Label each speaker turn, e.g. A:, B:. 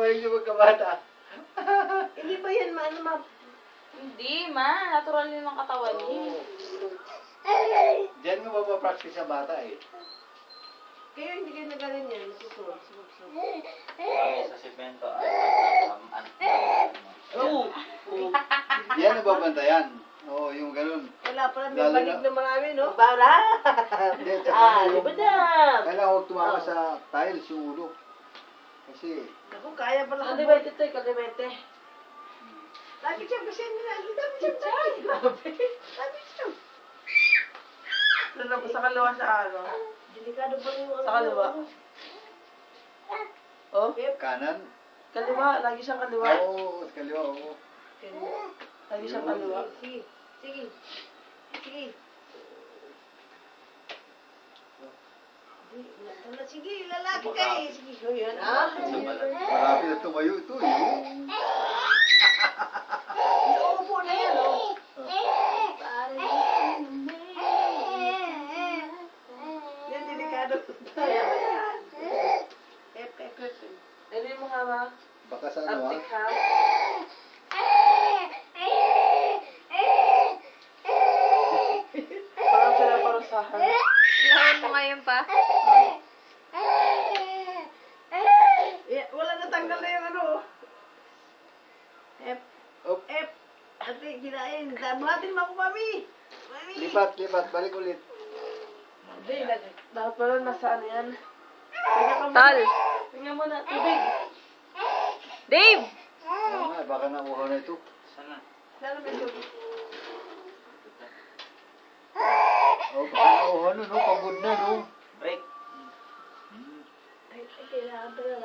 A: Bumalik sa pagkabata.
B: Hindi ba yan ano ma?
C: Hindi, ma. Natural yun ang katawan niya.
A: Diyan mo mapapractice sa bata eh.
B: Kaya hindi kayo nagaling yan. Nasusunod.
D: Kami sa simento ay
A: Oo. Yan ang babantayan. Oo, yung ganun.
B: Wala pala, may
A: Lalo
B: banig
A: na-
B: na marami, no? Para!
A: Hindi, tsaka yung-
B: Libadam!
A: Kailangan huwag tumama sa tiles yung ulo. Kasi,
B: Ako, kaya pala.
C: Kalibete to, kalibete.
B: Lagi siya, kasi nila. Dami siya, grabe. Lagi siya.
C: Sa kaliwa sa ano.
B: Delikado pa rin yung
C: Sa kaliwa. Oh,
A: kanan.
C: kaliwa. Lagi siyang kaliwa.
A: Oo, sa kaliwa, oo.
C: Lagi siyang kaliwa.
B: Sige, sige. Sige. Sige, lalaki ka eh. Sige, ko yun.
A: Marami na tumayo ito eh.
B: Uupo na yan, oh. Yan, delikado. Yan. Pep.
C: Ano mo nga ba?
A: Baka sa ano
C: Uptick ha? Parang sila parusahan.
E: Lahat mo ngayon pa.
B: Wala natanggal na yung ano.
A: Op.
B: Ate, kinain. Buhatin mo ako, mami. Mami.
A: Lipat, balik ulit.
B: Hindi,
C: Dapat pala nasa ano yan.
E: Tal.
C: Tingnan mo na, tubig.
E: Dave!
A: Oo nga, baka nauhaw na ito.
D: Sana.
B: Sana may tubig.
A: Oo, baka nauhaw na, no? Pagod na, no?
D: Break.
B: Ay, kailangan pala